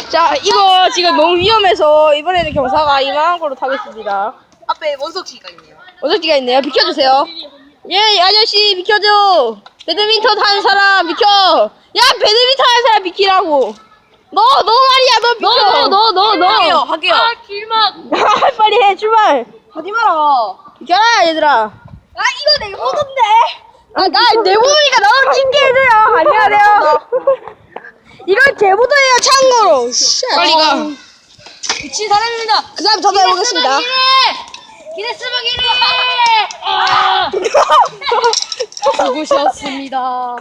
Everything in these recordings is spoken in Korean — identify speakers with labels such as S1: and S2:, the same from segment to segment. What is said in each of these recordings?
S1: 자, 이거 지금 너무 위험해서 이번에는 경사가 이만한 걸로 타겠습니다.
S2: 앞에 원석지가 있네요.
S1: 원석지가 있네요. 비켜주세요. 예, 아저씨 비켜줘. 배드민턴 하는 사람 비켜. 야, 배드민턴 하는 사람 비키라고. 너 말이야, 너 비켜.
S2: 할게요.
S3: 아, 길막.
S1: 빨리 해, 출발.
S2: 하지 마라.
S1: 비켜라, 얘들아.
S2: 아, 이거 내 모던데.
S1: 나 내보니까 너무 찡게해줘요. 안녕하세요. 이건 제 보드예요, 참고로. 빨리 가.
S2: 미친 사람입니다.
S1: 그 다음 저도 해보겠습니다.
S3: 기네스막 1위!
S2: 수고하셨습니다.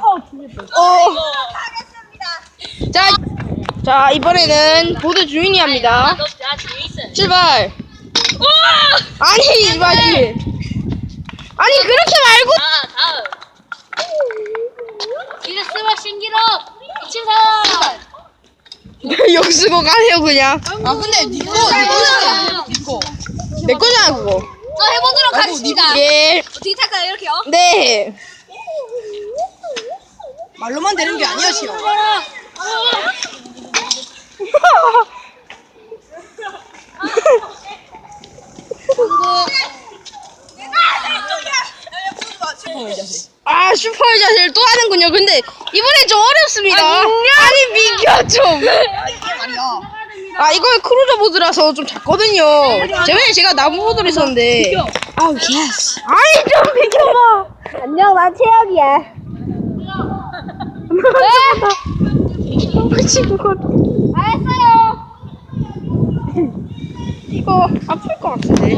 S1: 자, 이번에는 보드 주인이 합니다.
S3: 나 제이슨.
S1: 출발. 아니, 이봐지. 아니, 그렇게 말고.
S3: 다음. 기네스막 신기록. 미친 사람.
S1: 역수고 가세요, 그냥.
S2: 아, 근데 니꺼.
S1: 내 거잖아, 그거.
S2: 저 해보도록 하겠습니다.
S1: 예.
S2: 어떻게 탈까요? 이렇게요?
S1: 네.
S2: 말로만 되는 게 아니야, 시어.
S1: 아, 슈퍼 자세를 또 하는군요. 근데 이번엔 좀 어렵습니다. 아니, 비켜 좀.
S2: 이게 말이야.
S1: 아, 이건 크루저 보드라서 좀 작거든요. 저번에 제가 나무 보드를 썼는데. 아우, 예스. 아니, 좀 비켜봐. 안녕, 난 최악이야. 네? 친구.
S3: 알았어요.
S1: 이거 아플 것 같은데.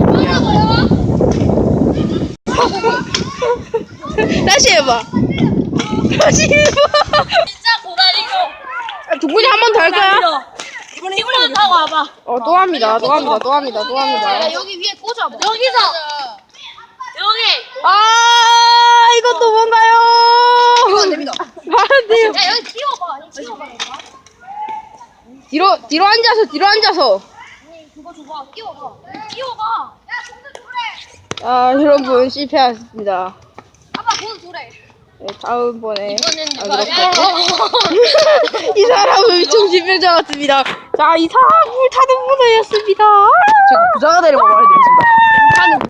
S1: 다시 해봐. 다시 해봐.
S3: 진짜 고다리고.
S1: 동근이 한 번 더 할까요?
S2: 이번에
S3: 이번엔 타고 와봐.
S1: 또 합니다. 또 합니다.
S3: 여기 위에 꽂아. 여기서. 여기.
S1: 아, 이것도 뭔가요?
S2: 이거 안 됩니다.
S1: 안 돼요.
S3: 야, 여기 띄워봐. 아니, 띄워봐.
S1: 뒤로 앉아서.
S3: 그거 줘봐. 띄워봐. 띄워봐.
S1: 아, 여러분, 실패하셨습니다.
S2: 아빠 보드 도래.
S1: 네, 다음번에.
S3: 이거는
S1: 아,
S3: 누가
S1: 이 사람은 정신병자 같습니다. 자, 이 사람 물 타는 분이었습니다. 제가 부자가 되는 거 말해드리겠습니다.